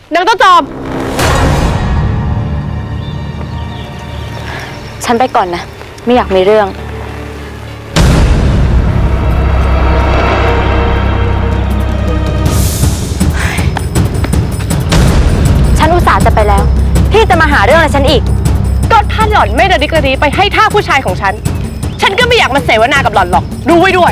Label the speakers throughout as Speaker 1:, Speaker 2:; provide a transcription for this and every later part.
Speaker 1: นางเจ้าจอม
Speaker 2: ฉันไปก่อนนะไม่อยากมีเรื่องฉันอุตส่าห์จะไปแล้วพี่จะมาหาเรื่องอะไรฉันอีก
Speaker 1: ก็ท่านหล่อนไม่ระดิกระดีไปให้ท่าผู้ชายของฉันก็ไม่อยากมาเสวนากับหล่อนหรอกดูไว้ด้วย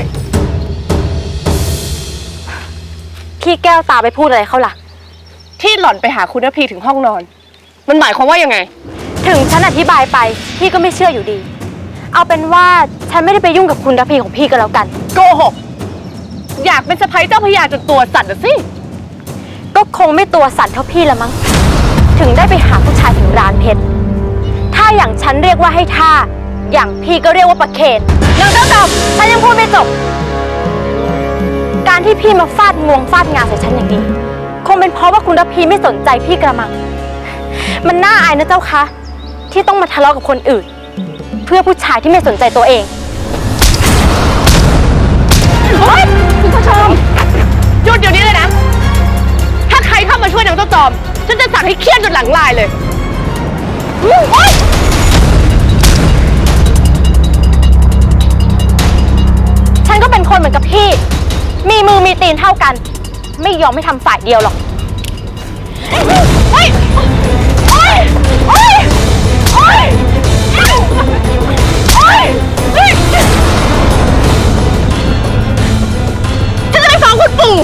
Speaker 2: พี่แก้วตาไปพูดอะไรเขาล่ะ
Speaker 1: ที่หล่อนไปหาคุณนภีถึงห้องนอนมันหมายความว่ายังไง
Speaker 2: ถึงฉันอธิบายไปพี่ก็ไม่เชื่ออยู่ดีเอาเป็นว่าฉันไม่ได้ไปยุ่งกับคุณนภีของพี่ก็แล้วกัน
Speaker 1: โกหกอยากเป็นสะใภ้เจ้าพระยาจนตัวสั่นสิ
Speaker 2: ก็คงไม่ตัวสั่นเท่าพี่ละมั้งถึงได้ไปหาผู้ชายถึงร้านเพชรถ้าอย่างฉันเรียกว่าให้ท่าอย่างพี่ก็เรียกว่าประเคนนางเจ้าจอมฉันยังพูดไม่จบการที่พี่มาฟาดงวงฟาดงาใส่ฉันอย่างนี้คงเป็นเพราะว่าคุณนภีไม่สนใจพี่กระมังมันน่าอายนะเจ้าคะที่ต้องมาทะเลาะกับคนอื่นเพื่อผู้ชายที่ไม่สนใจตัวเอง
Speaker 1: เฮ้ยคุณผู้ชมหยุดเดี๋ยวนี้เลยนะถ้าใครเข้ามาช่วยนางเจ้าจอมฉันจะสั่งให้เคี่ยนจนหลังลายเลย
Speaker 2: ฉันก็เป็นคนเหมือนกับพี่มีมือมีตีนเท่ากันไม่ยอมไม่ทำฝ่ายเดียวหรอก
Speaker 1: ฉันจะไปฟ้องคุณปู่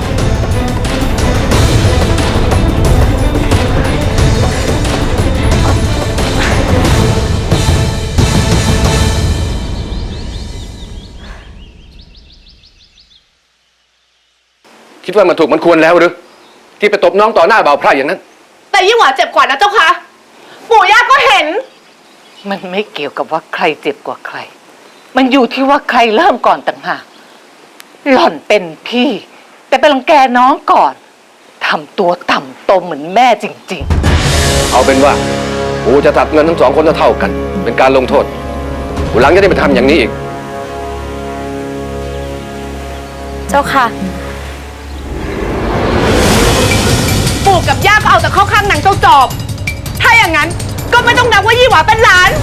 Speaker 3: คิดว่ามันถูกมันควรแล้วหรือที่ไปตบน้องต่อหน้าบ่าวไพร่อย่างนั้น
Speaker 1: แต่ยิ่งหวาเจ็บกว่านะเจ้าคะปู่ย่าก็เห็น
Speaker 4: มันไม่เกี่ยวกับว่าใครเจ็บกว่าใครมันอยู่ที่ว่าใครเริ่มก่อนต่างหากหล่อนเป็นพี่แต่ไปรังแกน้องก่อนทำตัวต่ำตมเหมือนแม่จริง
Speaker 3: ๆเอาเป็นว่าปู่จะตัดเงินทั้งสองคนเท่ากันเป็นการลงโทษปู่หลังจะได้ไปทำอย่างนี้อีก
Speaker 2: เจ้าค่ะ
Speaker 1: ปู่กับย่าก็เอาแต่เข้าข้างนางเจ้าจอบถ้าอย่างนั้นก็ไม่ต้องนับว่ายี่หวาเป็นหลาน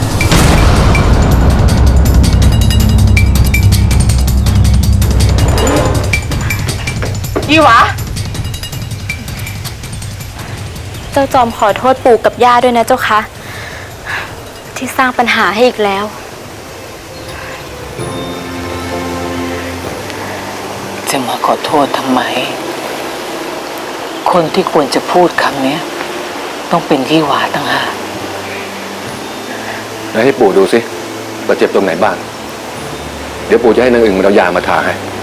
Speaker 1: ยี่หวา
Speaker 2: เจ้าจอมขอโทษปู่กับย่าด้วยนะเจ้าค่ะที่สร้างปัญหาให้อีกแล้ว
Speaker 4: จะมาขอโทษทำไมคนที่ควรจะพูดคำนี้ต้องเป็นยี่หวาต่างหาก
Speaker 3: แล้วให้ปู่ดูสิว่าเจ็บตรงไหนบ้างเดี๋ยวปู่จะให้นางอึ่งมันเอายามาทาให้